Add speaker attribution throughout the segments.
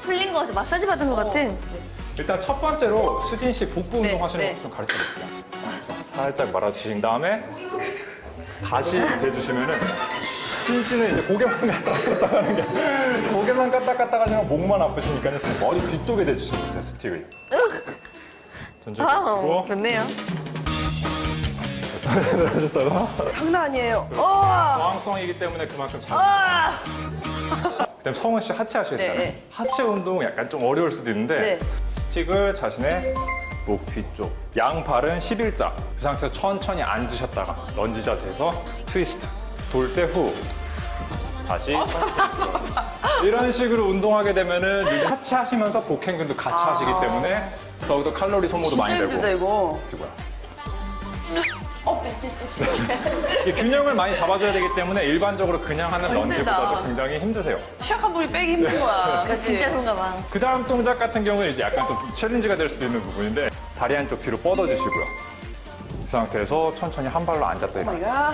Speaker 1: 풀린 것 같아. 마사지 받은 것 같아.
Speaker 2: 일단 첫 번째로 수진 씨 복부 운동 하시는
Speaker 1: 네.
Speaker 2: 거 좀 가르쳐 드릴게요. 살짝 말아주신 다음에 다시 대주시면은 수진 씨는 이제 고개만 까딱까딱 하는 게 고개만 까딱까딱 하시면 목만 아프시니까 머리 뒤쪽에 대주시면 돼요, 스틱을. 전체적으로
Speaker 1: 아,
Speaker 2: 주시고
Speaker 1: 좋네요.
Speaker 2: 하셨다가
Speaker 3: 장난 아니에요.
Speaker 2: 저항성이기 때문에 그만큼 잘. 그다음 성은 씨 하체 하셔야 되잖아요.
Speaker 1: 네.
Speaker 2: 하체 운동 약간 좀 어려울 수도 있는데
Speaker 1: 네.
Speaker 2: 스틱을 자신의 목 뒤쪽, 양발은 11자. 그 상태에서 천천히 앉으셨다가 런지 자세에서 트위스트. 돌 때 후. 다시 이런 식으로 운동하게 되면은 이제 하체 하시면서 복행근도 같이 하시기 때문에 더욱더 칼로리 소모도 많이 되고.
Speaker 3: 힘들다 이거.
Speaker 2: 이 균형을 많이 잡아줘야 되기 때문에 일반적으로 그냥 하는 런지보다도
Speaker 1: 힘들다.
Speaker 2: 굉장히 힘드세요.
Speaker 3: 취약한 분이 빼기 힘든 거야.
Speaker 1: 그러니까 진짜 그런가 봐.
Speaker 2: 그 다음 동작 같은 경우는 이제 약간 좀 챌린지가 될 수도 있는 부분인데 다리 한쪽 뒤로 뻗어주시고요. 이 상태에서 천천히 한 발로 앉았다 일어나.
Speaker 3: 내가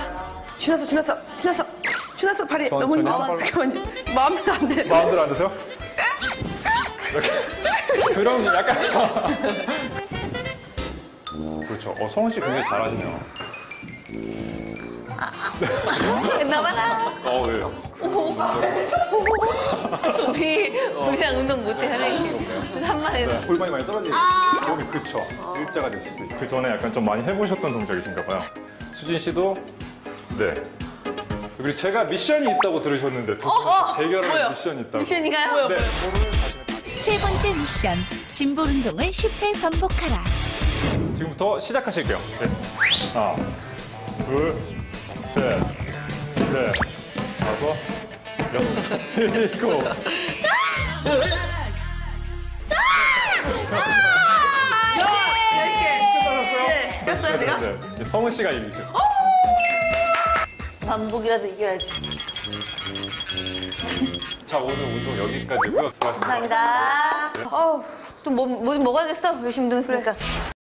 Speaker 3: 지났어 발이 너무
Speaker 2: 천천히
Speaker 3: 힘들어.
Speaker 2: 한 발로.
Speaker 3: 잠깐만요. 마음대로 안 돼.
Speaker 2: 마음대로 앉으세요. 이렇게. 그럼 약간 그렇죠. 성은 씨 굉장히 잘하시네요.
Speaker 1: 나봐라.
Speaker 2: 왜요?
Speaker 1: 우리랑 운동 못해, 선생님. 한마디.
Speaker 2: 네, 골반이 많이 떨어지고 여기 그쵸. 일자가 되실 수 있어요. 그 전에 약간 좀 많이 해보셨던 동작이신가 봐요. 수진 씨도 네. 그리고 제가 미션이 있다고 들으셨는데 두 분 대결하는 미션이 있다고.
Speaker 1: 미션인가요?
Speaker 2: 네, 그거를 자신의 다리-
Speaker 4: 세 번째 미션, 짐볼 운동을 10회 반복하라.
Speaker 2: 지금부터 시작하실게요. 네. 하나, 둘, 셋, 넷, 다섯, 여섯, 일곱. 끝나셨어요?
Speaker 1: 꼈어요, 제가?
Speaker 2: 네. 이제 성은 씨가 이기죠.
Speaker 1: 반복이라도 이겨야지.
Speaker 2: 자, 오늘 운동 여기까지고요. 수고하셨습니다.
Speaker 1: 감사합니다. 또 뭐 좀 먹어야겠어. 열심히 운동했으니까.